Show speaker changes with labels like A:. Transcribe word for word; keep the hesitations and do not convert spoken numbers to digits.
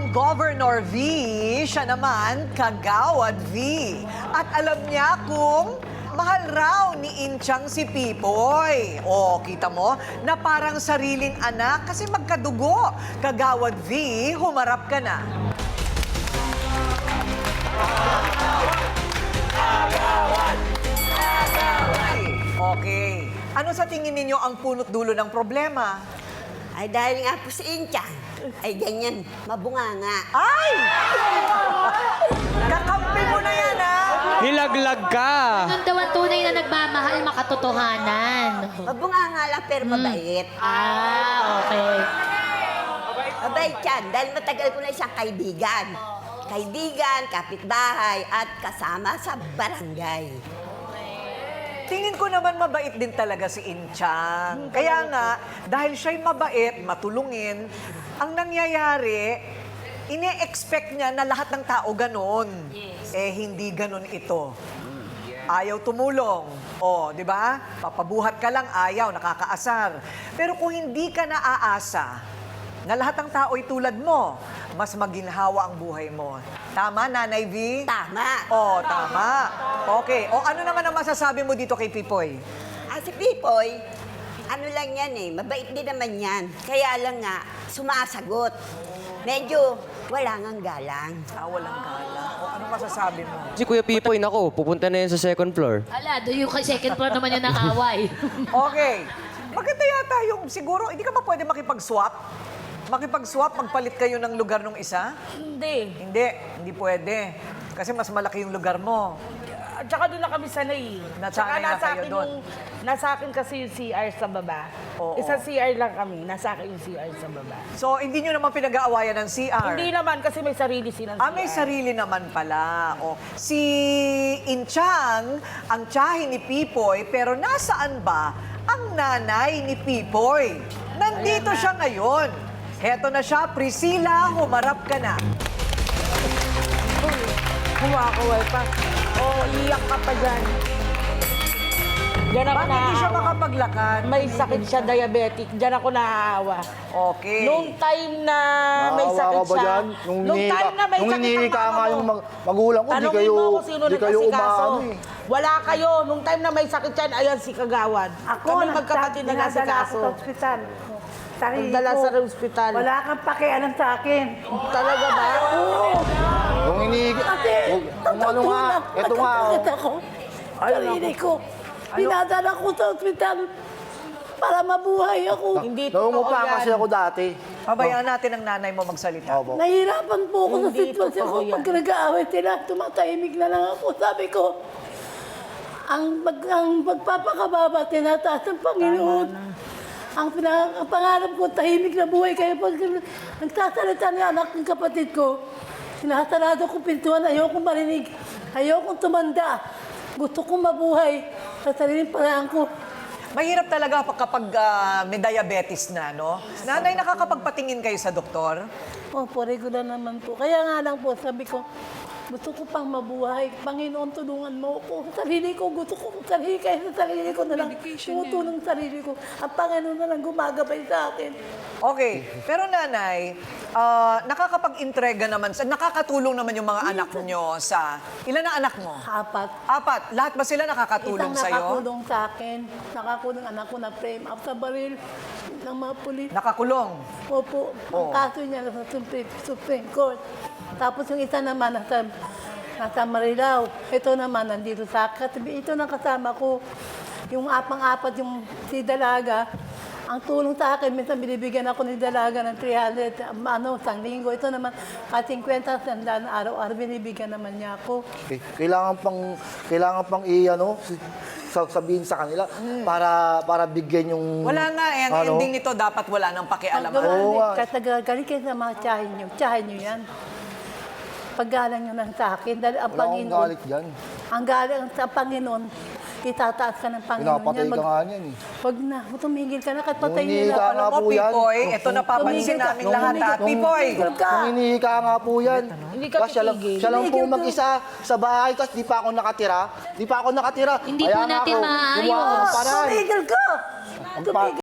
A: Governor V, siya naman Kagawad V. At alam niya kung mahal raw ni Inchang si Pipoy. O, kita mo, na parang sariling anak kasi magkadugo. Kagawad V, humarap ka na. Kagawad! Kagawad! Okay. Ano sa tingin ninyo ang punot dulo ng problema?
B: Ay, dahil nga po si Inchang, ay ganyan, mabunganga.
A: Ay! Kakampi mo na yan, ha?
C: Nilaglag ka.
D: Ganun daw ang tunay na nagmamahal, makatotohanan.
B: Mabunganga lang pero mabait.
D: Ah, okay.
B: Mabait yan, dahil matagal ko na siyang kaibigan. Kaibigan, kapitbahay, at kasama sa barangay.
A: Tingin ko naman mabait din talaga si Inchang. Kaya nga, dahil siya'y mabait, matulungin, ang nangyayari, ine-expect niya na lahat ng tao ganon. Eh, hindi ganon ito. Ayaw tumulong. O, di ba? Papabuhat ka lang, ayaw, nakakaasar. Pero kung hindi ka naaasa, na lahat ng tao'y tulad mo, mas maginhawa ang buhay mo. Tama, Nanay V?
B: Tama.
A: Oh, tama. Okay. O ano naman ang masasabi mo dito kay Pipoy?
B: Ah, si Pipoy, ano lang yan eh, mabait din naman yan. Kaya lang nga, sumasagot. Medyo wala ngang galang.
A: Ah, walang gala. O ano masasabi mo?
C: Si Kuya Pipoy, nako, pupunta na yan sa second floor.
D: Ala, do yung second floor naman yung nakaway.
A: Okay. Maganda yata yung siguro, hindi ka ba pwede makipag-swap? Makipag-swap, magpalit kayo ng lugar ng isa?
E: Hindi.
A: Hindi, hindi pwede. Kasi mas malaki yung lugar mo.
E: At saka doon na kami sanay.
A: Nasanay
E: Tsaka
A: na
E: nasa
A: kayo
E: akin
A: doon.
E: yung, nasa akin kasi yung C R sa baba.
A: Oo.
E: Isang C R lang kami, nasa akin yung C R sa baba.
A: So, hindi nyo naman pinag-aawayan ng C R?
E: Hindi naman kasi may sarili silang
A: Ah,
E: C R.
A: may sarili naman pala. O, si Inchang, ang tiyahin ni Pipoy, pero nasaan ba ang nanay ni Pipoy? Nandito siya ngayon. Heto na siya, Priscilla, humarap ka na.
E: Kumakawal pa. Oo, iyak ka pa dyan. Diyan ako
A: Bakit hindi siya
E: naaawa.
A: makapaglakad?
E: May sakit siya, diabetic. Diyan ako naaawa.
A: Okay.
E: Nung time na may
F: Naawa
E: sakit
F: ka ba
E: siya,
F: dyan? Nung,
E: nung
F: hinihika-
E: time na may
F: nung
E: sakit ang
F: hinihika
E: mama
F: nga
E: mo,
F: yung mag- magulang ko, di
E: tanungin
F: kayo,
E: mo kung sino
F: di kayo
E: nag-asikaso.
F: umaano eh.
E: Wala kayo. Nung time na may sakit yan, ayan si Kagawad.
G: Ako,
E: Kami
G: nagsa-
E: magkapatid na
G: dinadala ako
E: nag-asikaso.
G: sa ospital. Sarili
E: Nagdala
G: ko.
E: sa ospital.
G: Wala kang pakialam sa akin.
E: Talaga ba?
F: Nung hinihika,
G: Kasi,
F: kung kung ano nga, eto nga, oh.
G: nagkakasakit ako. Sarili ko. Dinadala ko sa ospital para mabuhay ako.
E: Hindi totoo
F: Naungupa
E: yan.
F: kasi ako dati.
A: Pabayaan natin ang nanay mo magsalita.
F: Opo.
G: Nahihirapan po ako sa
E: Hindi
G: sitwasyon ko.
E: totoo yan.
G: Pag nag-aaway sila, tumatahimik na lang ako. Sabi ko, ang, pag, ang pagpapakababa, tinataas ng Panginoon. Ang, pina- ang pangarap ko, tahimik na buhay kayo. Pag nagsasalita ng anak ng kapatid ko, sinasarado ko pintuan, ayokong marinig, ayokong tumanda. Gusto kong mabuhay sa sariling paraan ko.
A: Mahirap talaga pa- kapag ah, may diabetes na, no? Nanay, nakakapagpatingin kayo sa doktor?
G: Opo, regular naman po. Kaya nga lang po, sabi ko, gusto ko pang mabuhay. Panginoon, tulungan mo ako. Sarili ko, gusto ko sarili kayo sa sarili ko na lang. Tumutulong sa sarili ko. Ang Panginoon na lang gumagabay sa akin.
A: Okay. Pero nanay, ah, nakakapag-intrega naman, sa, nakakatulong naman yung mga anak nyo sa... Ilan ang anak mo?
G: Apat.
A: Apat. Lahat ba sila nakakatulong
G: Isang
A: sa'yo?
G: nakakulong sa akin. Nakakulong anak ko na frame up sa baril ng mga pulis.
A: Nakakulong.
G: Opo, ang
A: Oo.
G: kaso niya nasa Supreme, Supreme Court. Tapos yung isa naman nasa, nasa Marilao. Ito naman nandito sa katabi. Ito nang kasama ko. Yung apang-apat yung si Dalaga. Ang tulong sa akin, minsan binibigyan ako ni Dalaga ng three hundred, ano, isang linggo. Ito naman, at fifty, sandaan araw-araw, binibigyan naman niya ako.
F: Eh, Kailangan pang, kailangan pang i-ano, sa- sabihin sa kanila para para bigyan yung...
A: Wala nga eh. Ang
F: ano,
A: ending nito, dapat wala nang pakialam.
G: Ang
F: Oo nga.
G: Kahit nagagaling kayo sa mga tsahin nyo, tsahin nyo yan. Paggalang nyo lang sa akin, dahil ang
F: Wala akong
G: Panginoon,
F: galit dyan.
G: ang galing sa Panginoon, itataas ka ng Panginoon.
F: Pinapatay
G: yan.
F: ka
G: Mag-
F: nga niyan eh.
G: Wag na, tumigil ka na, kahit patayin
F: Ngunit
G: nila.
F: ka
G: Alam
F: nga
A: Alam mo,
F: po yan.
A: Pipoy, ito napapansin
G: Tumigil ka.
A: namin lahat, ha?
G: Tumigil.
A: Pipoy!
G: Tumigil ka.
F: Nung hinihika nga po yan.
E: Hindi ka
F: Kasi siya lang,
E: titigil.
F: siya lang po
G: Tumigil ka.
F: mag-isa sa bahay kasi di pa ako nakatira. Di pa ako nakatira.
D: Hindi
F: Kaya
D: po
F: nga
D: natin
F: ako
D: maayos.
F: gumawa ng paraan.
G: Tumigil ka!
F: Ang pa-
G: Tumigil